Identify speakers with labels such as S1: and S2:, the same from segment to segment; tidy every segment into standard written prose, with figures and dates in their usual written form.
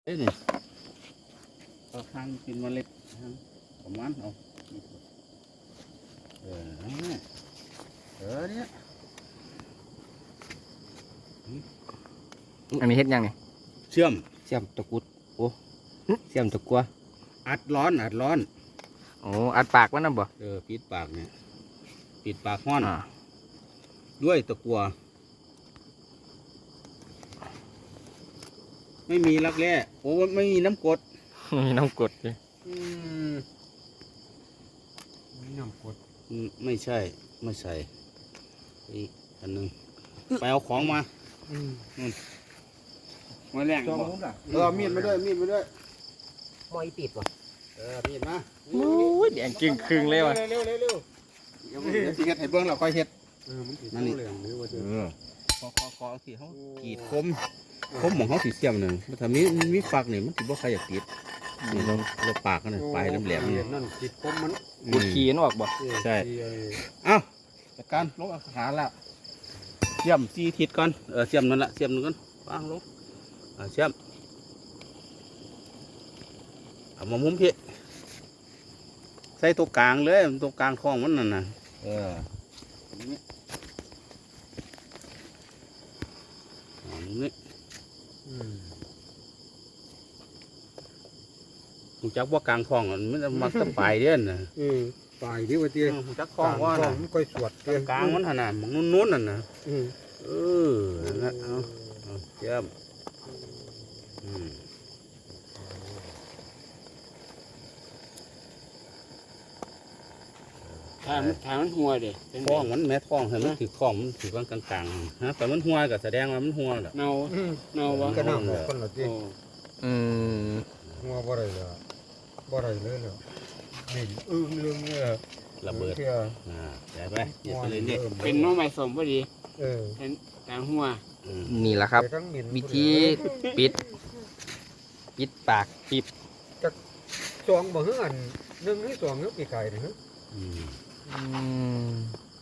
S1: เอ้ยนี่เอาทางกินเมล็ดทางประมาณเอาเนี่ย
S2: อันนี้เฮ็ดยังนี่
S1: เชื่อม
S3: เสียมตะกุดโอ้เสียมตะกัว
S1: อัดร้อน
S2: โอ้อัดปากมันนะบ่
S1: ปิดปากเนี่ยปิดปากห้อน
S2: อ่า
S1: ด้วยตะกัวไม่มีรักแร้โอ้ไม่มีน้ำกรด
S2: มีน้ำกรดดิ
S3: นี่น้ำกด
S1: ไม่ใช่ไม่ใส่อีกอันหนึงไปเอาของมา
S4: มาแรง
S1: จอง
S4: บ่
S1: มุ้งอ่ะมีดมาด้วย
S3: มอยติดว่ะ
S1: มีดมา
S2: โอ้ยแดงจึงครึ่งเลยว่ะ
S1: เร็วเดี๋ยวสิเฮ็ดให้เบิ่งแล้วค่อยเฮ็ด
S3: มันติด
S1: นั่นนี่
S3: เหลืองหรือว่าจะ
S1: ขอสิเขากรีดคมของเขาสีเสียมหนึ่งมันถ้ามีฝักนี่มันสิบ่ใครอยากติดนี่เราปากกันนะปลายแหลมๆนี่
S3: นั่นติดคมมัน
S2: บุดขี้นออกบ่
S1: ใช่เอ้าจัดการลงอาหารแล้วเสียม4ทิศก่อนเสียมนั่นละเสียมนึงก่อนวางลงเสียมเอามามุมพี่ใส่ตัวกลางเลยตัวกลางท้องมันนั่นน่ะนี่นี่หูจักว่ากลางท้องมันมักจะปลายเด่นน่ะ
S3: ตายที่ว่าเตี้ย
S1: หูจักท้องว่าน่ะ
S3: มันค่อยสวด
S1: กลางมันขนาดมันนุ่นๆนั่นน่ะนั่นนะเอาเยี่ยม
S4: ทางมันหัวเด้
S1: ท้องมันแม่ท้องเห็นมันถือท้องมันถือกลางๆฮะแต่มันหัวก็แสดงว่ามันหัวแหละ
S4: เนาบ่
S3: ก็น้ำคนละเตี้ย
S4: โอ้
S2: อืม
S3: งัวบ่ได้เลยบ่ได้เลยเหรอเหม็นเรื่องเนี่ย
S1: ระเบิดใส่ไปเดี๋ยวไปเรื่อย
S4: เป็นน้องใหม่สมพอดี
S3: ๆ
S4: เป็นทางหัว
S2: นี่แหละครับ
S3: ไปทั้งเหม็น
S2: วิธีปิดปากปิด
S3: สองบ่ฮื้ออันหนึ่งให้สองเนื้อปีไก่นะฮะ
S2: อืม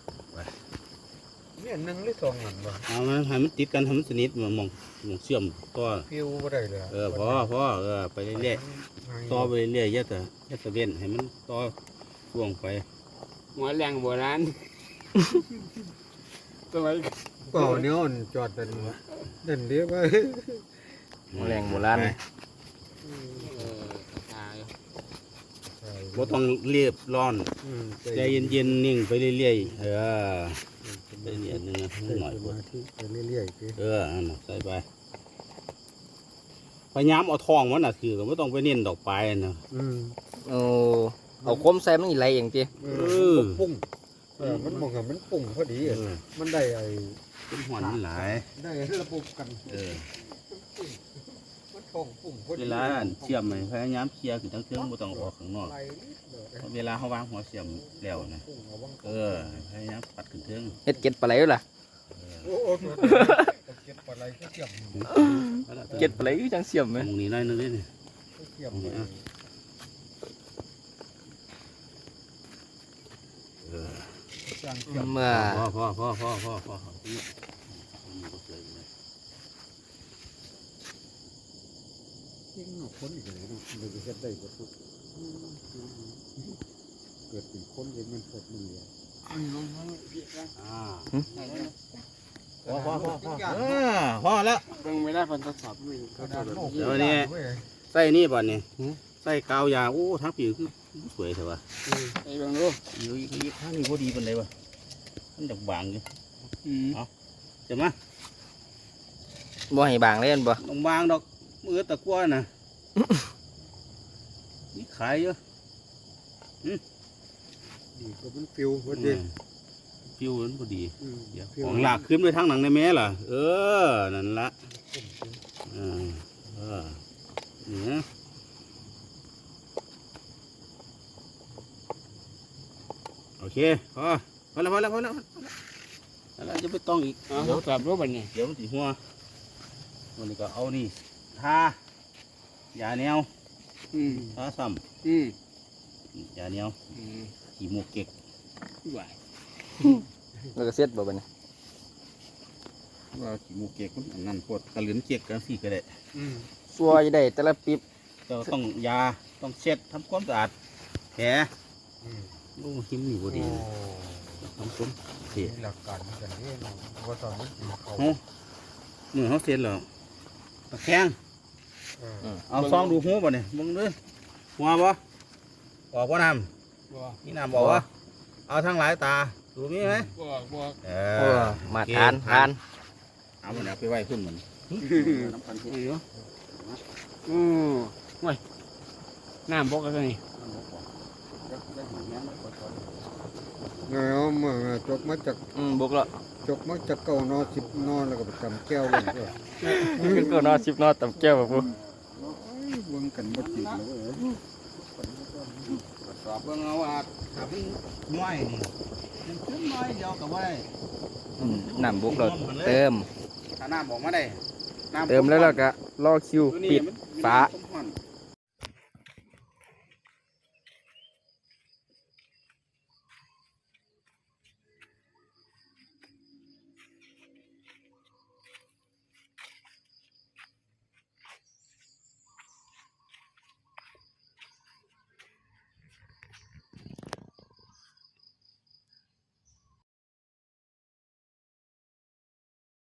S3: เนี่ยหนึ่งหรือสองอันบ่
S1: เอามันให้มันติดกันให้มันสนิทมองเชื่อมต่อ
S3: ฟิวบ่ได้เลย
S1: พอไปเรื่อยๆต่อไปเรื่อยๆอย่าแต่เว้นให้มันต่อช่วงไป
S4: หัวแรงโบราณตัวไว้
S3: ก็เนี่ยอ่อนจอดเป็นนั่นเดียวไป
S2: แรงโบราณ
S4: ตาย
S1: บ่ต้องเรียบร้อนใจเย็นๆนิ่งไปเรื่อยๆไปเรื่อยๆนึงหน่อย
S3: มาที่ไปเรื่อยๆไป
S1: อันน่ะใส่ไปพยายามเอาทองมันน่ะคือไม่ต้องไปเน้นดอกปลายนะ
S2: โอ้เอาคมใส่มันอีไรอย่างจี
S3: ปุ้งมันมองกับมันปุ้งพอดีมันได้ไอ้
S1: เป็นหอนมันหลาย
S3: ได้ระบบกันมันทองปุ้งพอดี
S1: เวลาเชื่อมไหมพยายามเคลียร์คือทั้งเครื่องไม่ต้องออกข้างนอกเวลาเขาวางหัวเชื่อมแล้วนะพยายามปัดขึ้นเครื่อง
S2: เฮ็ดเก็ดปลาไหลอยู่ล่ะ
S3: โอ้เก็บปลาไหลก็เก็บ
S2: เก็ดปลาไหลจังเสียมไหม
S1: มองนี้น้อยนึงนี่
S3: เก็บ
S2: เมื่อ
S1: พอ
S3: ยิ่งคนอีกเลยนะมันจะได้ก็ทุกเกิดเป็นคนเป็นมันเกิดมันเลย
S1: พอแล้ว
S4: เบิ่งไม่ได้ผลทดสอบมัน
S1: เดี๋ยวนี้ใส่นี่บ่เนี่ยใส่กาวยาโอ้ทั้งผิวคือสวยเถอะวะ
S4: ไอ้เบิ่งดู
S1: อยู่อีกข้างนี้พอดีเป็นไรวะมันดอกบางอยู่เห็นไหม
S2: บ่ให้บางเลยอันบ่
S1: ดอกบางดอกมือตะกั่วน่ะนี่ขายเยอะ
S3: ดีก็มันฟิวพอดี
S1: ผิวมันพอดีเดี๋ยวของหลากขึ้นไปทางหนังในแม่ล่ะนั่นละนี่โอเคพอแล้วแล้วจะไปต้องอีก
S4: ทดสอบรู้บัดนี้
S1: เดี๋ยวมันสีหัววันนี้ก็เอานี่ทายาแนวทาซ้ำยาแนวขี่หมวกเก็ก
S4: ไหว
S2: แล้วก็เสร็จบ่บัดนี้
S1: ว่าขี่หมวกเก็กมันอันนั้นปวดกระเหลือนเก็กกันสี่ก็ได้
S2: ซัวจะได้แต่ละปิ๊บ
S1: เราต้องยาต้องเช็ดทำความสะอาดแผล
S3: อืม
S1: โอ้หิมนี่บ่ดี
S3: โอ้
S1: ทำความเสีย
S3: มีหลักการเหมือนกันนี่เนาะว่าตอนนี้กินเขา
S1: เฮามือเขาเสร็จแล้วตะแคง
S3: เออ
S1: เอาซองดูหูบ่เนี่ยมึงดูหัวบ่ออกบ่น้
S4: บ่
S1: ำนี่น้ำบอกว่าเอาทั้งหลายตาดูมีไหม
S4: บ่
S1: เอ
S2: โอ้
S1: อ
S2: มาทานทาน
S1: เอามันเอาไปไว้ขึ้นมันน้ำพันธุ์
S4: นี่เนาะว้ยน้ำบกกันนี่
S3: เนาะเมื่อจกมาจาก
S2: บุกแล้ว
S3: จกมาจากเก่านอ10นอแล้วก็ไปจำแก้วเลยเด้อ
S2: ขึ้นก็นอน10นอนตำแก้วบ่ปู
S3: เบิ่งกันบ่ติดแล้วเว้ย
S1: สอบเบิ่งเอาว่าถ้ามันน้อยนี่มันขึ้นน้อยเดียวกับว่าได้
S2: น้ำบุกแล้วเติม
S1: ถ้าน้ำบอกมาได้น้ำ
S2: เติมแล้วเราก็รอคิวปิดฝา
S1: ฝ